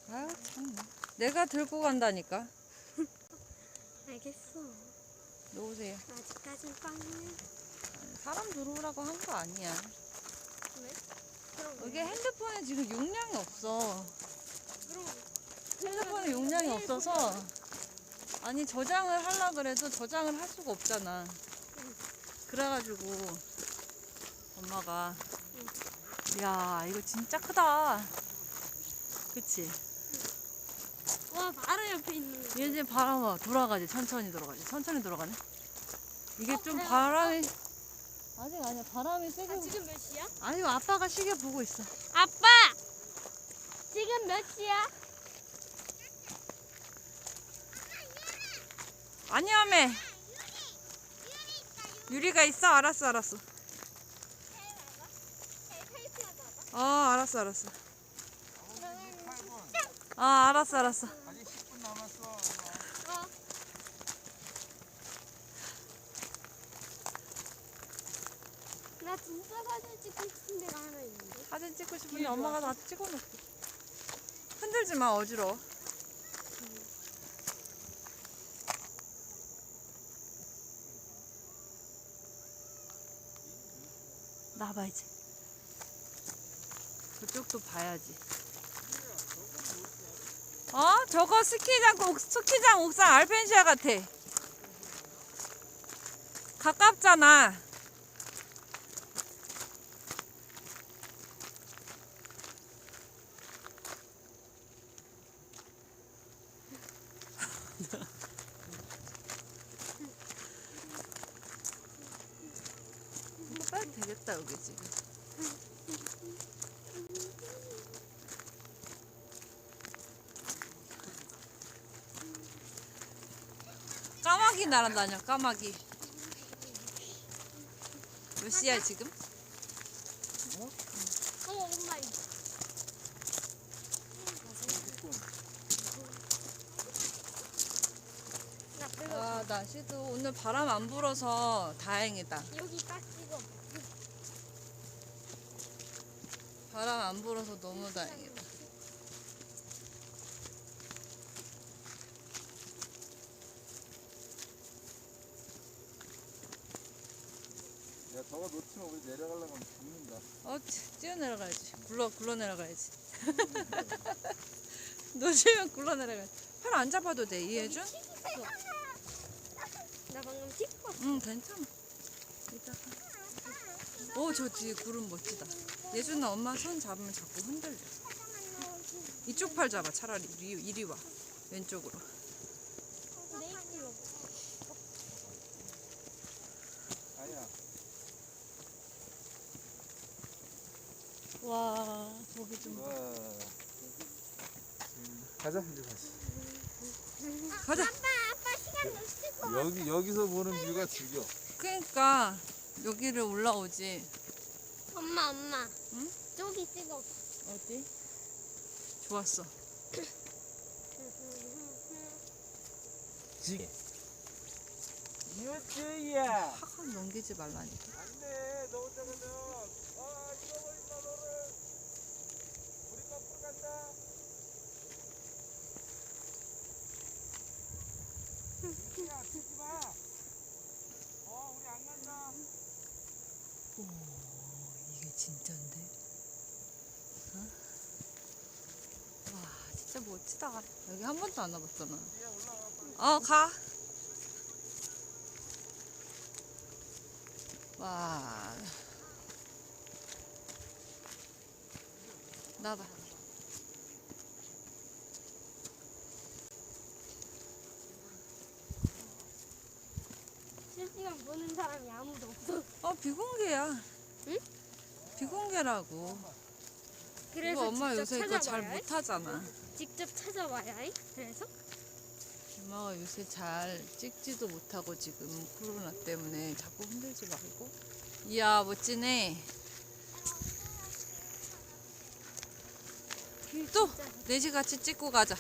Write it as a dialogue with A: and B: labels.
A: 아유 참. 내가 들고 간다니까.
B: 알겠어.
A: 놓으세요.
B: 아직까진 빵이야.
A: 사람 들어오라고 한 거 아니야.
B: 왜? 그럼
A: 이게 핸드폰에 지금 용량이 없어.
B: 그럼
A: 핸드폰에 용량이 없어서 아니 저장을 하려고 그래도 저장을 할 수가 없잖아. 그래가지고 엄마가 야 이거 진짜 크다. 그치?
B: 와 바로 옆에 있는 거.
A: 얘 이제 바람 돌아가지. 천천히 돌아가지. 천천히 돌아가네. 이게 좀
B: 그래.
A: 바람이 아직 아니야. 바람이 세게
B: 아, 지금 몇 시야?
A: 아니 아빠가 시계 보고 있어.
B: 아빠! 지금 몇 시야?
A: 아니야매. 유리가 있어? 알았어. 알았어. 알았어.
C: 아직 10분 남았어.
B: 나 진짜 사진 찍고 싶은 데가 하나 있는데.
A: 사진 찍고 싶은데 엄마가 다 찍어놓고. 흔들지 마, 어지러워. 나봐 이제. 저쪽도 봐야지. 저거 스키장 옥상 알펜시아 같아. 가깝잖아. 빨리 되겠다 여기 지금. 까마귀 날아다녀. 까마귀. 몇 시야 지금?
B: 엄마 이거. 나 그거
A: 날씨도 오늘 바람 안 불어서 다행이다.
B: 여기 딱 찍어.
A: 바람 안 불어서 너무 다행이다.
C: 야, 저거 놓치면 우리 내려가려고 하면 죽는다.
A: 뛰어 내려가야지. 굴러 내려가야지. 놓치면 굴러 내려가야지. 팔 안 잡아도 돼, 이해준?
B: 나 방금 찍고.
A: 응, 괜찮아. 이따가. 저 뒤에 구름 멋지다. 예준아, 엄마 손 잡으면 자꾸 흔들려. 이쪽 팔 잡아, 차라리. 이리 와. 왼쪽으로.
B: 내 입으로.
C: 아야.
A: 와, 저기 좀 봐.
C: 가자, 이제 다시.
A: 가자.
B: 아빠 시간 놓치고.
C: 여기서 보는 뷰가 죽여.
A: 그러니까 여기를 올라오지.
B: 엄마.
A: 응?
B: 저기 찍어.
A: 어디? 좋았어.
C: 유주야.
A: 확 넘기지 말라니까.
C: 안돼, 너 혼자 가면 잃어버린다 너를. 우리 거꾸로 간다. 유주야, 치지 마. 우리 안 간다.
A: 이게 진짜인데? 와, 진짜 멋지다. 여기 한 번도 안 와봤잖아. 가. 와. 나봐.
B: 실시간 보는 사람이 아무도 없어.
A: 비공개야.
B: 응?
A: 비공개라고.
B: 그래서
A: 이거 엄마
B: 직접
A: 요새 이거 잘
B: 찾아봐야 해?
A: 못하잖아.
B: 직접 찾아봐야 해? 그래서?
A: 엄마가 요새 잘 찍지도 못하고 지금 코로나 때문에 자꾸 흔들지 말고. 이야, 멋지네. 또 넷이 같이 찍고 가자.